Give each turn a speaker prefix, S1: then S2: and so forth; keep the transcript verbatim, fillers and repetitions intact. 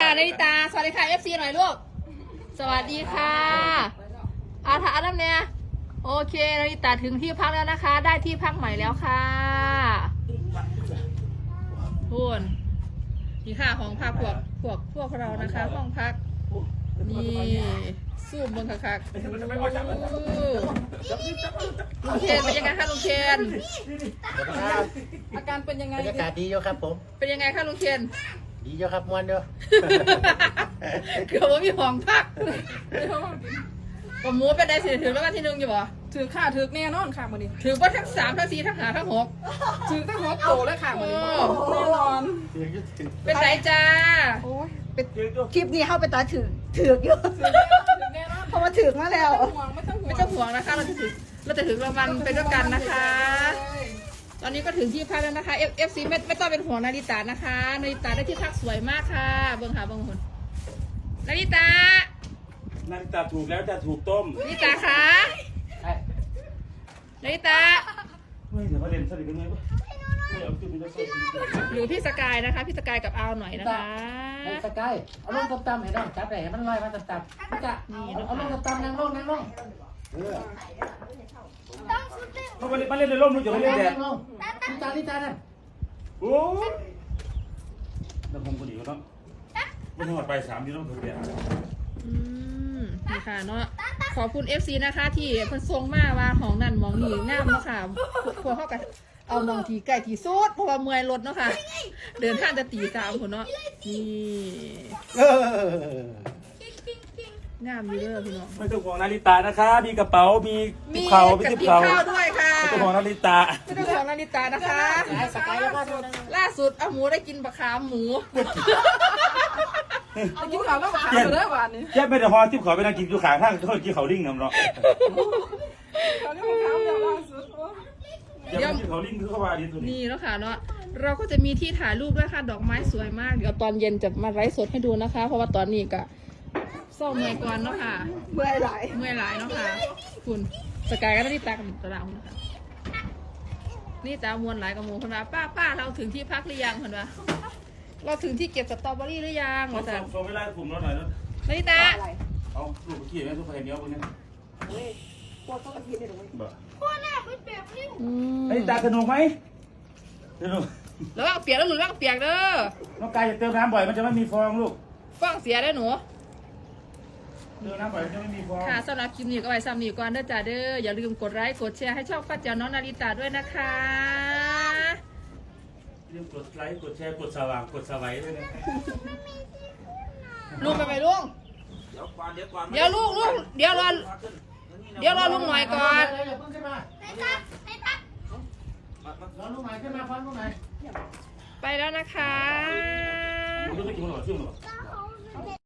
S1: นาริตาสวัสดีค่ะเอฟซีหน่อยลูกสวัสดีค่ะอาถาน้ำเนี่ยโอเคนาริตาถึงที่พักแล้วนะคะ ได้ที่พักใหม่แล้วค่ะพูนนี่ค่ะของพักพวกพวกพวกเรานะคะห้องพักนี่สู้บนคักๆลุงเคนเป็นยังไงคะลุงเคนอาการเป็นยังไง
S2: บรรยากาศดีอยู่ครับผม
S1: เป็นยังไงคะลุงเคน
S2: ดีอยู่ครับมวนอยู่
S1: เกือบว่ามีของพักกับหมูเป็นได้สิถือแล้ววันที่หนึ่งอยู่บ่
S3: ถือข่าถือแน่นอนค่ะมือนี้
S1: ถือว่าทั้งสามทั้งสี่ทั้งห้าทั้งหก
S3: ถือตั้งหัวโตเลยค่ะมือนี้แน่นอน
S1: เป็นไรจ้า
S3: โอ้ย
S4: คลิปนี้เข้าไปตาถือถือกอยู่
S3: ถือแน่นอน
S4: เพราะว่าถือกมาแล้ว
S3: ไม่ต้องห่วงไม่ต้องห่วง
S1: ไม่ต้องห่วงนะคะเราจะถือเราจะถือรางวัลไปด้วยกันนะคะ ตอนนี้ก็ถึงที่พักแล้วนะคะเอฟเอฟซีไม่ไม่ต้องเป็นห่วงนาริตานะคะนาริตาได้ที่พักสวยมากค่ะเบิ้งหาเบิ้งคนนาริตา
S5: นาฬิตาถูกแล้วจะถูกต้ม
S1: นาริตาคะนาริตา
S5: เฮ้ยเดี๋ยวมาเรียนสนิทกันไหมวะไม่เอาขึ้นไปแล้วสนิท
S1: หรือพี่สกายนะคะพี่สกายกับอาวหน่อยนะคะ
S2: ไอ้สกายเอาลงต่ำๆให้น้องจับได้ให้มันลอยมาต่ำๆมันจะเอาลงต่ำๆนั่งลงนั่งลงเออ
S5: เขามาเล่นมาเล่นในร่มลูกอย่ามาเล่นแดด
S2: นั่งลงนี่จานนี่จานนั่น
S5: โอ้ยแล้วผมก็ดีก็ต้องไม่ต้องหอดไปสามที่ต้องถูกแดด
S1: อืมนี่ค่ะเนาะขอบคุณ เอฟ ซี นะคะที่เพิ่นส่งมาว่าของนั่นมองนี่งามเนาะค่ะพวกเขาก็เอามองทีไก่ทีสุดเพราะว่าเมื่อยรถเนาะค่ะ เดินทางจะตีสามคนเนาะนี่
S2: เออ
S1: งามอยู่เด้อพี่น้อง
S5: ไม่ต้องห่วงนาฬิตานะคะ มีกระเป๋ามีทิ
S1: มี
S5: ปเขามี
S1: กับ
S5: ทิป
S1: ติบ
S5: เขา
S1: ข้าวด้วยค่ะ
S5: ไม่ต้องห่วงนาฬิตา
S1: ไม่ต้องของนาริตานะคะ
S2: ไอ้สกายแล้วก็ดูนะ
S1: ล่าสุดเอาหมูได้กินปลาคามหมู
S3: เอากินข่าวแล้วขาเลยวันนี้
S5: แค่ไม่ได้ห่อทิปเขาไปนั่งกินอยู่ข้างทางเขากินเขาลิ่งน้ำเนาะ
S3: เขาเรียกว่าข่าวเดียวล่าสุด
S5: อย่าไปกินเขาลิ่งคือเขาว่าดีตัวนี้
S1: นี่แล้วค่ะเนาะเราก็จะมีที่ถ่ายรูปด้วยค่ะดอกไม้สวยมากเดี๋ยวตอนเย็นจะมาไลฟ์สดให้ดูนะคะ เพราะว่าตอนนี้ก็เศร้าเมื่อยก่อนเนาะค่ะ
S4: เมื่อยไหลาย
S1: เมื่อยหลายเนาะค่ะ คุณสกายก็ได้ที่ตากับตาดาวนะคะนี่ตามวนหลายกับหมูคนว่าป้าป้าเราถึงที่พักหรือยังคนว่าเราถึงที่เก็บสตรอเบอรี่หรือยัง
S5: ส่
S1: ว่าแต่
S5: งส่งเวลาผมเราหน่อยนะ
S1: นาริตา
S4: อะไร
S5: เอาลูกเมื่อกี้แม่ทุกคนเห็นเนี้ยพวกนี้
S4: เฮ้ยพวกเขากระทินเนี่ยหรอ
S5: บ่
S1: อืม
S5: นาฬิตาสนุกไหมสนุก
S1: แล้วก็เปียกแล้วหลุดแล้วก็เปียกเด้อ
S5: น้องกายจะเติมน้ำบ่อยมันจะไม่มีฟองลูก
S1: ฟ้องเสียได้อหนู
S5: เติมน้ำบ่อยมันจะไม่มีฟอง
S1: ค่ะสำหรับคลิปนี้ก็ไว้ซ้ำนี้ก่อนเด้อจ้าเด้ออย่าลืมกดไลค์กดแชร์ให้ช่องป้าเจ้าน้องนาริตาด้วยนะคะ
S5: อย่าลืมกดไลค์กดแชร์กดสว่างกดสไลด์ด้วยนะ
S1: ลุงไปไหมลุง
S5: เดี๋ยวก่อนเดี๋ยวก่อน
S1: เดี๋ยวลูกลูกเดี๋ยวรอเดี๋ยวรอลุงหน่อยก่อน
S2: เดี๋ยวเพิ่งขึ้นมาร้อนลูกไหนขึ้นมาฟังลูกไหน
S1: ไปแล้วนะคะ
S5: ผมจะไปกินขนมชื่อหรอ